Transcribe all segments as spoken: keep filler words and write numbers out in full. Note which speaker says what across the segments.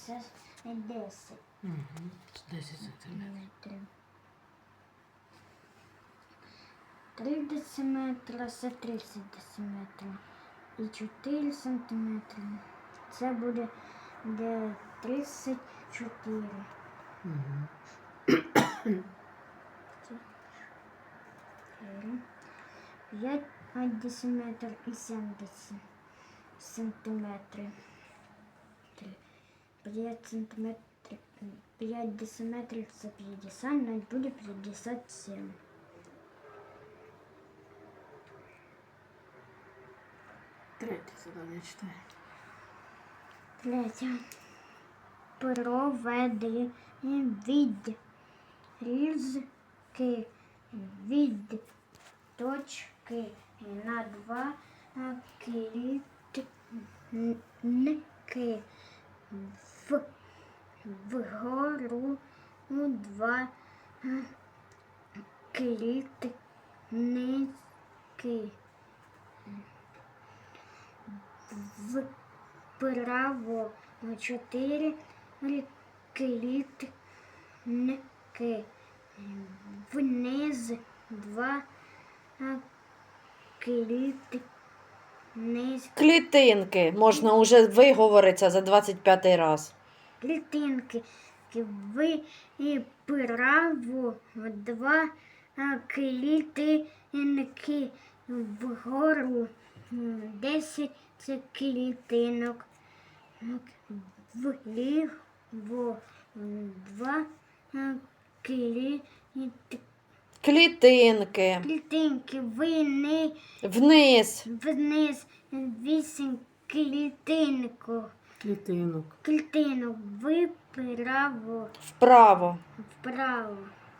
Speaker 1: це десять
Speaker 2: Угу. десять сантиметрів.
Speaker 1: метрів. три дециметра це тридцять дециметрів. І чотири сантиметри. Це буде де тридцять чотири.
Speaker 2: Угу.
Speaker 1: п'ять дециметрів і сімдесят сантиметрів. п'ять сантиметрів, п'ять дециметрів це п'ятдесят, навіть буде п'ятдесят сім.
Speaker 2: Третє задання читаю.
Speaker 1: Третє. Проведи відрізки від точки на два клітинки в, вгору два клітинки вправо чотири клітинки вниз два клітинки.
Speaker 3: Клітинки. Можна уже виговоритися за двадцять п'ятий раз.
Speaker 1: Клітинки вправо два клітинки вгору десять клітинок вліво два клітинки
Speaker 3: Клітинки.
Speaker 1: клітинки вниз
Speaker 3: Вниз.
Speaker 1: вниз вісім клітинок
Speaker 2: Клітинок.
Speaker 1: клітинок вправо
Speaker 3: Вправо.
Speaker 1: вправо.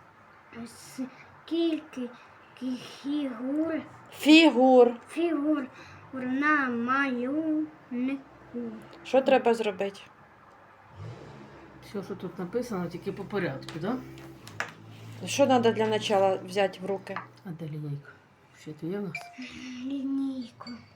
Speaker 1: Скільки фігур
Speaker 3: Фігур.
Speaker 1: фігур на малюнку?
Speaker 3: Що треба зробити?
Speaker 2: Все, що тут написано, тільки по порядку, так? Да?
Speaker 3: Що треба для початку взяти в руки?
Speaker 2: А де лінійка? Ще то є в нас?
Speaker 1: Лінійку.